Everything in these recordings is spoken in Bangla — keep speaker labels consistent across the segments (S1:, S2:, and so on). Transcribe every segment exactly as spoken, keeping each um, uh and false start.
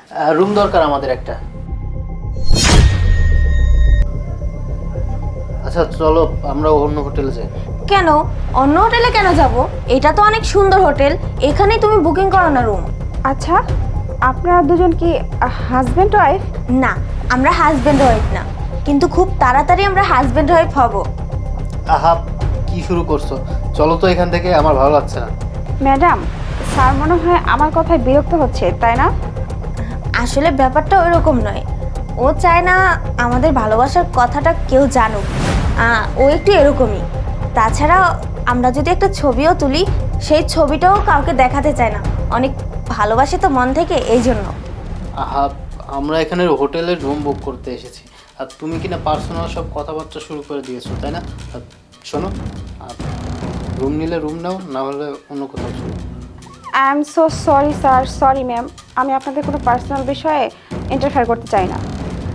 S1: রুম দরকার আমাদের একটা। আচ্ছা চলো আমরা অন্য হোটেলে যাই।
S2: কেন? অন্য হোটেলে কেন যাব? এটা তো অনেক সুন্দর হোটেল, এখানেই তুমি বুকিং করো না রুম।
S3: আচ্ছা, আপনারা দুজন কি হাজব্যান্ড ওয়াইফ?
S2: না, আমরা হাজব্যান্ড ওয়াইফ না, কিন্তু খুব তাড়াতাড়ি আমরা হাজব্যান্ড ওয়াইফ হব।
S1: আহা, কি শুরু করছো? চলো তো এখান থেকে, আমার ভালো লাগছে না।
S3: ম্যাডাম, স্যার মনে হয় আমার কথায় বিরক্ত হচ্ছে, তাই না?
S2: আসলে ব্যাপারটা ওইরকম নয়, ও চায় না আমাদের ভালোবাসার কথাটা কেউ জানুক। আহ, ও একটু এরকমই। তাছাড়া আমরা যদি একটা ছবিও তুলি, সেই ছবিটাও কাউকে দেখাতে চায় না, অনেক ভালোবাসে তো মন থেকে, এই জন্য।
S1: আহা, আমরা এখানে হোটেলের রুম বুক করতে এসেছি, আর তুমি কিনা পার্সোনাল সব কথাবার্তা শুরু করে দিয়েছো, তাই না? আর শোনো, রুম নিলে রুম নাও, না হলে অন্য কোথাও চলো।
S3: I am so sorry sir, sorry ma'am, আমি আপনাদের কোনো পার্সোনাল বিষয়ে ইন্টারফেয়ার করতে চাই না।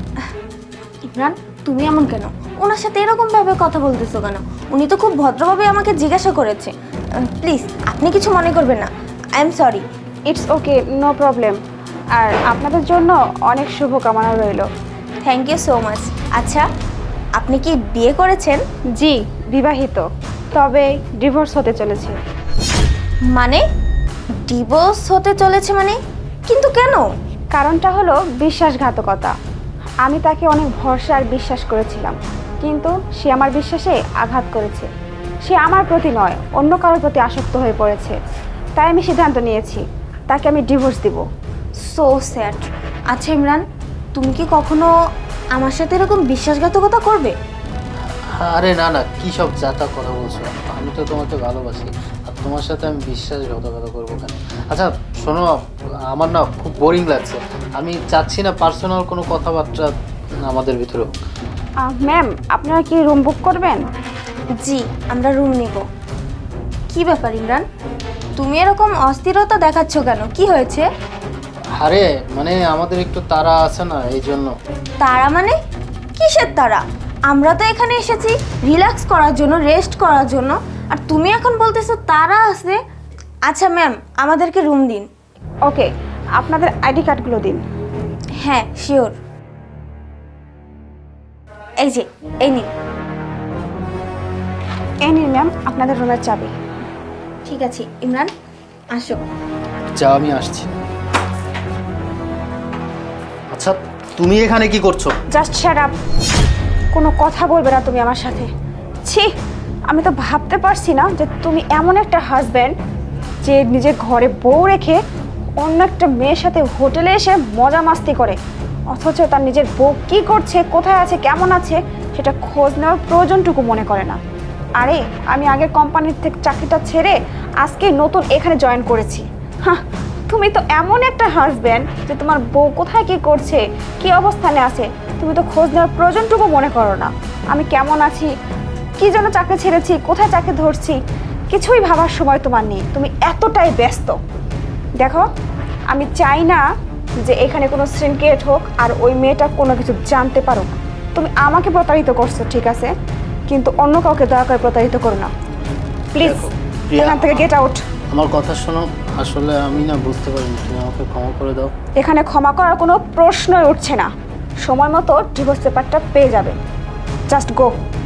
S2: ইমরান, তুমি এমন কেন? ওনার সাথে এরকমভাবে কথা বলতেছো কেন? উনি তো খুব ভদ্রভাবে আমাকে জিজ্ঞাসা করেছে। প্লিজ, আপনি কিছু মনে করবেন না, I am sorry.
S3: It's okay, no problem. আর আপনাদের জন্য অনেক শুভকামনা রইল।
S2: Thank you so much. আচ্ছা, আপনি কি বিয়ে করেছেন?
S3: জি, বিবাহিত, তবে ডিভোর্স হতে চলেছে।
S2: মানে ডিভোর্স হতে চলেছে মানে? কিন্তু কেন?
S3: কারণটা হলো বিশ্বাসঘাতকতা। আমি তাকে অনেক ভরসা আর বিশ্বাস করেছিলাম, কিন্তু সে আমার বিশ্বাসে আঘাত করেছে। সে আমার প্রতি নয়, অন্য কারোর প্রতি আসক্ত হয়ে পড়েছে। তাই আমি সিদ্ধান্ত নিয়েছি, তাকে আমি ডিভোর্স দিব।
S2: So sad. আচ্ছা ইমরান, তুমি কি কখনো আমার সাথে এরকম বিশ্বাসঘাতকতা করবে?
S1: আরে না না, কী সব যাতা কথা বলছো? আমি তো তোমাকে ভালোবাসি, আর তোমার সাথে আমি বিশ্বাসঘাতকতা করবো কেন? আচ্ছা শোনো, আমার না খুব বোরিং লাগছে, আমি চাচ্ছি না পার্সোনাল কোনো কথাবার্তা আমাদের ভিতরে।
S3: ম্যাম, আপনারা কি রুম বুক করবেন?
S2: জি, আমরা রুম নিব। কি ব্যাপার ইমরান, তুমি এরকম অস্থিরতা দেখাচ্ছ কেন? কি হয়েছে?
S1: আরে মানে আমাদের একটু তাড়া আছে না, এই জন্য।
S2: তারা মানে? কিসের তারা? আমরা তো এখানে এসেছি রিল্যাক্স করার জন্য, রেস্ট করার জন্য, আর তুমি এখন বলতেছো তারা আছে। আচ্ছা ম্যাম, আমাদেরকে রুম দিন।
S3: ওকে, আপনাদের আইডি কার্ডগুলো দিন।
S2: হ্যাঁ শিওর। এই যে, এই নিন।
S3: এই নিন ম্যাম আপনাদের রুমের চাবি।
S2: ঠিক আছে ইমরান, আসো।
S1: যা, আমি আসছি। আচ্ছা তুমি এখানে কি করছো?
S3: জাস্ট শাট আপ, কোনো কথা বলবে না তুমি আমার সাথে। ছি, আমি তো ভাবতে পারছি না যে তুমি এমন একটা হাজব্যান্ড যে নিজের ঘরে বউ রেখে অন্য একটা মেয়ের সাথে হোটেলে এসে মজা মাস্তি করে, অথচ তার নিজের বউ কী করছে, কোথায় আছে, কেমন আছে সেটা খোঁজ নেওয়ার প্রয়োজনটুকু মনে করে না। আরে আমি আগের কোম্পানির থেকে চাকরিটা ছেড়ে আজকে নতুন এখানে জয়েন করেছি। হ্যাঁ, তুমি তো এমন একটা হাজব্যান্ড যে তোমার বউ কোথায় কি করছে, কি অবস্থানে আছে, তুমি তো খোঁজ নেওয়ার প্রয়োজনটুকু মনে করো না। আমি কেমন আছি, কি জন্য চাকরি ছেড়েছি, কোথায় চাকরি ধরছি, কিছুই ভাবার সময় তোমার নেই, তুমি এতটাই ব্যস্ত। দেখো, আমি চাই না যে এখানে কোনো সিনক্রিয়েট হোক আর ওই মেয়েটা কোনো কিছু জানতে পারো। তুমি আমাকে প্রতারিত করছো ঠিক আছে, কিন্তু অন্য কাউকে দয়া করে প্রতারিত করো না প্লিজ। এখান থেকে গেট আউট।
S1: আমার কথা শোনো, আসলে আমি না বুঝতে পারিনি, তুমি আমাকে ক্ষমা করে দাও।
S3: এখানে ক্ষমা করার কোনো প্রশ্নই উঠছে না। সময় মতো ডিভোর্স পেপারটা পেয়ে যাবে। জাস্ট গো।